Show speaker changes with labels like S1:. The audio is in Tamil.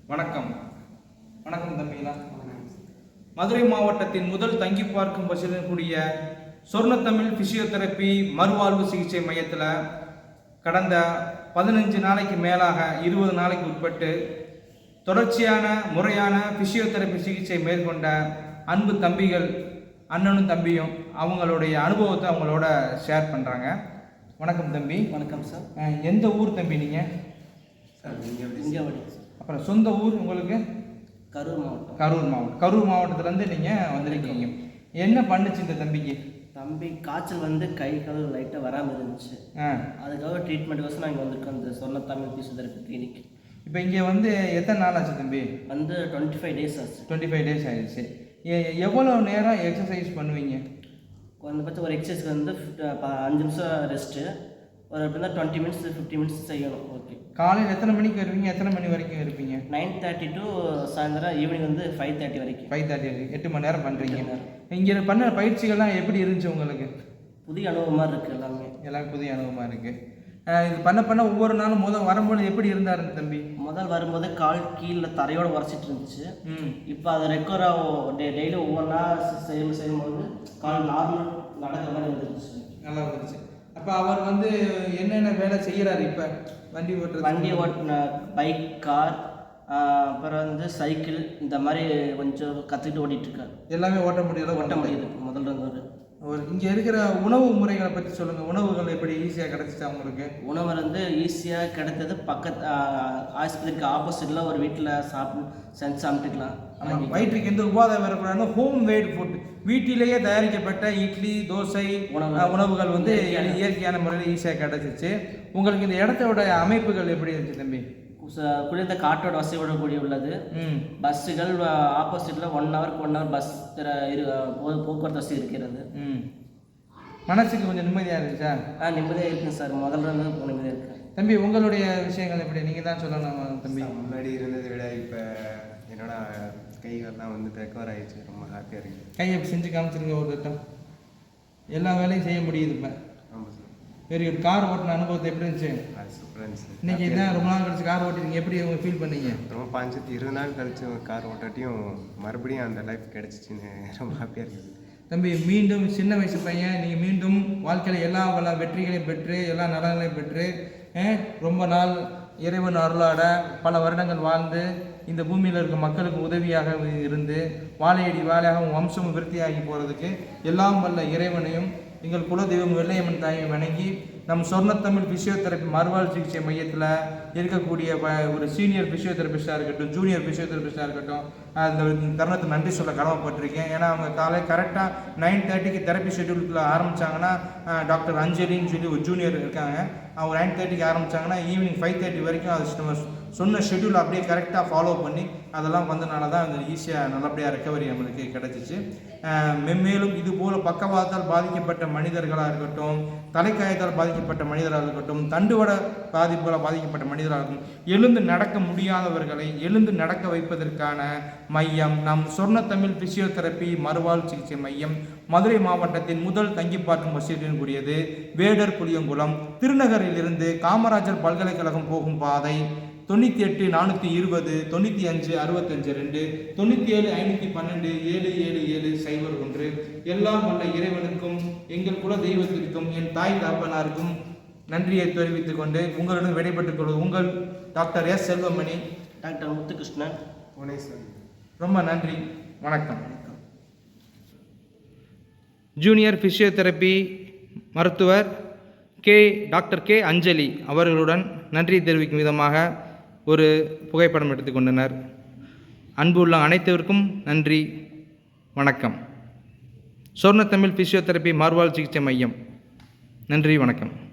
S1: வணக்கம். வணக்கம் தம்பிங்களா. மதுரை மாவட்டத்தின் முதல் தங்கி பார்க்கும் வசதியுடன் கூடிய சொர்ணத்தமிழ் பிசியோதெரப்பி மறுவாழ்வு சிகிச்சை மையத்தில் கடந்த 15 நாளைக்கு மேலாக 20 நாளைக்கு உட்பட்டு தொடர்ச்சியான முறையான பிசியோதெரப்பி சிகிச்சை மேற்கொண்ட அன்பு தம்பிகள், அண்ணனும் தம்பியும் அவங்களுடைய அனுபவத்தை அவங்களோட ஷேர் பண்ணுறாங்க. வணக்கம் தம்பி.
S2: வணக்கம் சார்.
S1: எந்த ஊர் தம்பி நீங்கள்?
S2: சார் இங்கே
S1: அப்புறம் சொந்த ஊர் உங்களுக்கு?
S2: கரூர் மாவட்டம்.
S1: கரூர் மாவட்டத்துலேருந்து நீங்கள் வந்திருக்கீங்க. என்ன பண்ணுச்சு இந்த தம்பிக்கு?
S2: தம்பி காய்ச்சல் கை கால் லைட்டாக வராமல் இருந்துச்சு. அதுக்காக ட்ரீட்மெண்ட்டுக்கோசம் நான் இங்கே வந்திருக்கோம், இந்த சொர்ணத்தமிழ் பிசியோதெரப்பி கிளினிக்.
S1: இப்போ இங்கே எத்தனை நாள் ஆச்சு தம்பி?
S2: 25 டேஸ் ஆச்சு.
S1: 25 டேஸ் ஆயிடுச்சு. எவ்வளோ நேரம் எக்ஸசைஸ் பண்ணுவீங்க?
S2: குறைந்தபட்சம் ஒரு எக்ஸசைஸ்க்கு 5 நிமிஷம் ரெஸ்ட்டு, ஒரு எப்படின்னா 20 மினிட்ஸ் 50 மினிட்ஸ் செய்யணும். ஓகே.
S1: காலையில் எத்தனை மணிக்கு வருவீங்க? எத்தனை மணி வரைக்கும் இருப்பீங்க?
S2: 9:30 டு சாயந்தரம் ஈவினிங் 5:30 வரைக்கும்.
S1: 5:30 வரைக்கும் 8 மணி நேரம் பண்ணுறீங்க. இங்கே பண்ண பயிற்சிகள்லாம் எப்படி இருந்துச்சு உங்களுக்கு?
S2: புதிய அனுபவமாக இருக்குது. எல்லாமே
S1: புதிய அனுபவமாக இருக்குது. இது பண்ண ஒவ்வொரு நாளும் வரும்போது எப்படி இருந்தார் தம்பி?
S2: முதல் வரும்போது கால் கீழே தரையோடு உரைச்சிட்டு இருந்துச்சு. இப்போ அதை ரெக்கவராக டெய்லி ஒவ்வொன்றா செய்யும்போது கால் நார்மல் நடக்கிற மாதிரி வந்துருச்சு.
S1: நல்லா வந்துருச்சு. அப்போ அவர் என்னென்ன வேலை செய்கிறாரு இப்போ? வண்டி
S2: ஓட்டின பைக், கார், அப்புறம் சைக்கிள், இந்த மாதிரி கொஞ்சம் கற்றுக்கிட்டு ஓட்டிகிட்ருக்காரு.
S1: எல்லாமே ஓட்ட முடியுது.
S2: முதல்ல
S1: இங்கே இருக்கிற உணவு முறைகளை பற்றி சொல்லுங்கள். உணவுகள் எப்படி ஈஸியாக கிடச்சிச்சு அவங்களுக்கு?
S2: உணவு ஈஸியாக கிடைத்தது. பக்கத்து ஆஸ்பத்திரிக்கு ஆப்போசிட்டில் ஒரு வீட்டில் செஞ்சு சாப்பிட்டுக்கலாம்.
S1: வயிற்றுக்கு எந்த உபாதை வரக்கூடாதுன்னு ஹோம் மேட் ஃபுட், வீட்டிலேயே தயாரிக்கப்பட்ட இட்லி, தோசை உணவுகள் இயற்கையான முறையில் ஈஸியாக கிடச்சிச்சு. உங்களுக்கு இந்த இடத்தோட அமைப்புகள் எப்படி இருந்துச்சு தம்பி?
S2: குளிர்ந்த காற்றோட வசதியோட கூடிய உள்ளது. பஸ்ஸுகள் ஆப்போசிட்டில் 1 ஹவருக்கு 1 ஹவர் பஸ் போக்குவரத்து வசதி இருக்கிறது.
S1: மனசுக்கு கொஞ்சம் நிம்மதியாக இருந்துச்சா?
S2: நிம்மதியாக இருக்குங்க சார். முதல்ல நிம்மதியாக இருக்கு.
S1: தம்பி உங்களுடைய விஷயங்கள் எப்படி? நீங்கள் தான் சொல்லணும் தம்பி.
S3: முன்னாடி இருந்ததை விட இப்போ என்னோட கைகள்லாம் ரெக்கவர் ஆகிடுச்சு. ரொம்ப ஹாப்பியாக இருக்குது.
S1: கையை செஞ்சு காமிச்சிருங்க ஒரு திட்டம். எல்லா வேலையும் செய்ய முடியுது இப்போ.
S3: ஆமாம் சார்.
S1: Very good. கார் ஓட்டின அனுபவத்தை எப்படி இருந்துச்சு?
S3: சூப்பராக இருந்துச்சு.
S1: இன்னைக்கு என்ன ரொம்ப நாள் கழிச்சு கார் ஓட்டிங்க, எப்படி ஃபீல் பண்ணீங்க?
S3: ரொம்ப 20 நாள் கழிச்சு கார் ஓட்டாட்டியும் மறுபடியும் அந்த லைஃப் கிடச்சிச்சின்னு ரொம்ப ஹாப்பியாக இருக்குது.
S1: தம்பி, மீண்டும் சின்ன வயசு பையன், நீங்கள் மீண்டும் வாழ்க்கையில் எல்லா வெற்றிகளையும் பெற்று எல்லா நலன்களையும் பெற்று ரொம்ப நாள் இறைவன் அருளாட பல வருடங்கள் வாழ்ந்து இந்த பூமியில் இருக்க மக்களுக்கு உதவியாக இருந்து வாழையடி வாழையாக வம்சம் விருத்தியாகி போகிறதுக்கு எல்லாம் வல்ல இறைவனையும் எங்கள் குலதெய்வம் வெள்ளையம்மன் தாயை வணங்கி நம் சொர்ணத்தமிழ் பிசியோதெரப்பி மறுவாழ்வு சிகிச்சை மையத்தில் இருக்கக்கூடிய ஒரு சீனியர் பிசியோதெரபிஸ்டாக இருக்கட்டும், ஜூனியர் பிசியோதெரபிஸ்டாக இருக்கட்டும், அந்த தருணத்தை நன்றி சொல்ல கடமைப்பட்டிருக்கேன். ஏன்னா அவங்க காலை கரெக்டாக 9:30க்கு தெரப்பி ஷெட்யூலுக்குள்ள ஆரம்பித்தாங்கன்னா, டாக்டர் அஞ்சலின்னு சொல்லி ஒரு ஜூனியர் இருக்காங்க, அவங்க 9:30க்கு ஆரம்பித்தாங்கன்னா ஈவினிங் 5:30 வரைக்கும் அது சொன்ன ஷெட்யூல் அப்படியே கரெக்டாக ஃபாலோ பண்ணி அதெல்லாம் வந்தனால தான் அது ஈஸியாக நல்லபடியாக ரெக்கவரி நம்மளுக்கு கிடச்சிச்சு. மென்மேலும் இதுபோல் பக்கவாதத்தால் பாதிக்கப்பட்ட மனிதர்களாக இருக்கட்டும், தலைக்காயத்தால் பாதிக்கப்பட்ட மனிதராக இருக்கட்டும், தண்டுவட பாதிப்பால் பாதிக்கப்பட்ட மனிதராக இருக்கட்டும், எழுந்து நடக்க முடியாதவர்களை எழுந்து நடக்க வைப்பதற்கான மையம் நம் சொர்ணத்தமிழ் பிசியோதெரப்பி மறுவாழ்வு சிகிச்சை மையம் மதுரை மாவட்டத்தின் முதல் தங்கி பார்க்கும் வசதியுடன் கூடியது. வேடர் புளியங்குளம் திருநகரிலிருந்து காமராஜர் பல்கலைக்கழகம் போகும் பாதை 98 420 95 65 2 97 512 777 01. எல்லாம் வல்ல இறைவனுக்கும் எங்கள் குல தெய்வத்திற்கும் என் தாய் தாப்பனாருக்கும் நன்றியை தெரிவித்துக் கொண்டு உங்களுடன் விடைபெற்றுக் கொள்வது உங்கள் doctor S Selvamani,
S2: doctor Muthukrishnan.
S1: ரொம்ப நன்றி. வணக்கம். ஜூனியர் பிசியோதெரப்பி மருத்துவர் டாக்டர் கே அஞ்சலி அவர்களுடன் நன்றி தெரிவிக்கும் விதமாக ஒரு புகைப்படம் எடுத்துக்கொண்டனர். அன்பு உள்ள அனைத்திற்கும் நன்றி. வணக்கம். சொர்ணத்தமிழ் பிசியோதெரப்பி மறுவாழ்வு சிகிச்சை மையம். நன்றி. வணக்கம்.